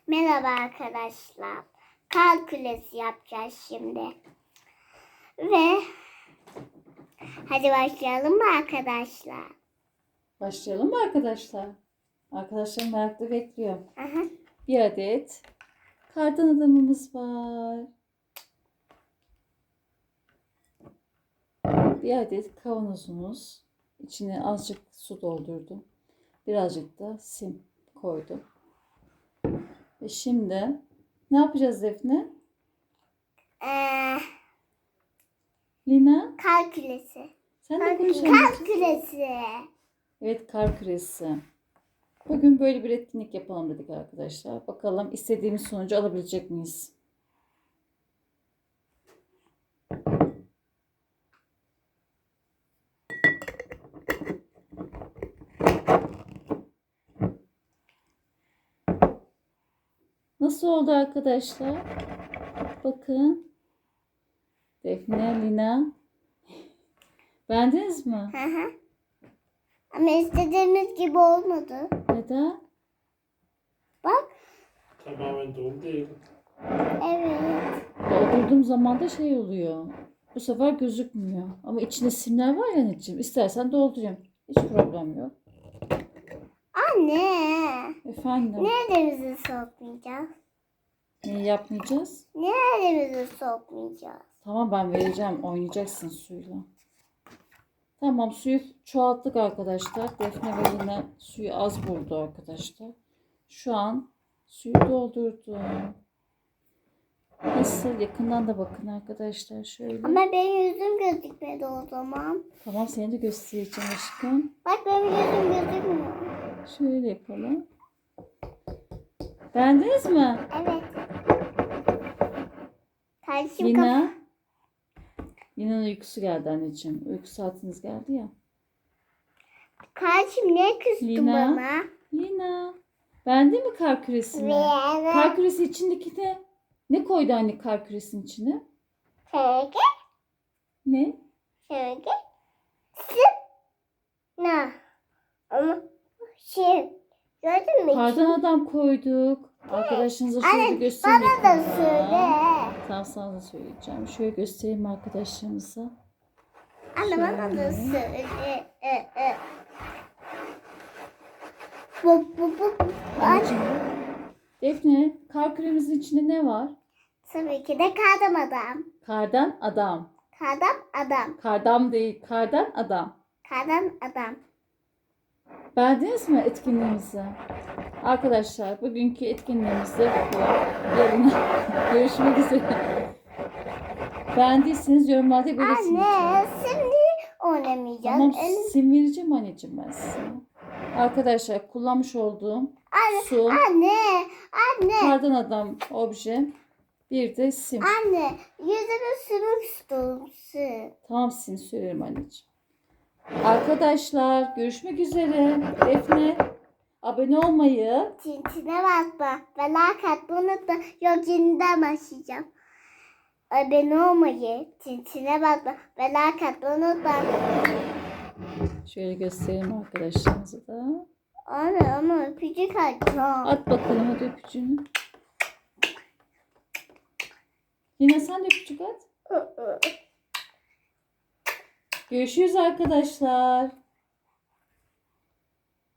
Merhaba arkadaşlar. Kalkülüs yapacağız şimdi. Ve hadi başlayalım mı arkadaşlar? Başlayalım mı arkadaşlar? Arkadaşlar merakla bekliyor. Aha. Bir adet kardan adamımız var. Bir adet kavanozumuz. İçine azıcık su doldurdum. Birazcık da sim koydum. Ve şimdi ne yapacağız Defne? Lina? Kalkülüsü. Sen de konuşalım. Kalkülüsü. Evet, kar küresi. Bugün böyle bir etkinlik yapalım dedik arkadaşlar. Bakalım istediğimiz sonucu alabilecek miyiz? Nasıl oldu arkadaşlar? Bakın. Defne, Lina. Beğendiniz mi? Hı hı. Ama istediğimiz gibi olmadı. Neden? Bak. Tamamen dolu değil. Evet. Doldurduğum zaman da şey oluyor. Bu sefer gözükmüyor. Ama içinde simler var ya anneciğim. İstersen doldurayım. Hiç problem yok. Anne. Efendim. Neremizi sokmayacağız? Neyi yapmayacağız? Neremizi sokmayacağız? Tamam, ben vereceğim. Oynayacaksın suyla. Tamam, suyu çoğalttık arkadaşlar. Defne ve yine suyu az buldu arkadaşlar. Şu an suyu doldurdum. Nasıl? Yakından da bakın arkadaşlar şöyle. Ama benim yüzüm gözükmedi o zaman. Tamam, seni de göstereceğim aşkım. Bak benim yüzüm gözükmüyor. Şöyle yapalım. Beğendiniz mi? Evet. Kardeşim Lina. Lina'nın uykusu geldi anneciğim. Uyku saatiniz geldi ya. Kardeşim ne küstün Lina. bana? Lina. Beğendin mi kar küresini? Kar küresi içindeki ne? Ne koydu anne kar küresinin içine? Şöyle, Ne? şöyle. Ne? Ama gördün mü? Kardan adam koyduk. Arkadaşınıza şöyle Anne, göstereyim. bana da ekranda. söyle. Tamam, sana da söyleyeceğim. Şöyle göstereyim arkadaşlarımıza. Anne bana da Şöyle. söyle. Bu. Anneciğim. Defne, kar küremizin içinde ne var? Tabii ki de kardan adam. Kardan adam. Kardan adam. Kardam değil, kardan adam. Kardan adam. Beğendiniz mi etkinliğimizi? Arkadaşlar, bugünkü etkinliğimizde bu. Yarın görüşmek üzere. Beğendiyseniz yorumlarda belirtin. Anne şimdi oynamayacağız. Tamam, sim vereceğim anneciğim ben size. Arkadaşlar, kullanmış olduğum su, Anne. kardan adam obje, bir de sim. Anne yüzümü sürmek istiyorum. Tamam, sim söylerim anneciğim. Arkadaşlar, görüşmek üzere. Defne, abone olmayı, Tintine basma. Ve like atmayı unutma. Yok yeniden başlayacağım. Abone olmayı, tintine basma. Ve like atmayı unutma. şöyle göstereyim arkadaşlarımıza da. Anne ama öpücük atacağım. At bakalım hadi öpücüğünü. Yine sen de öpücük at. Görüşürüz arkadaşlar.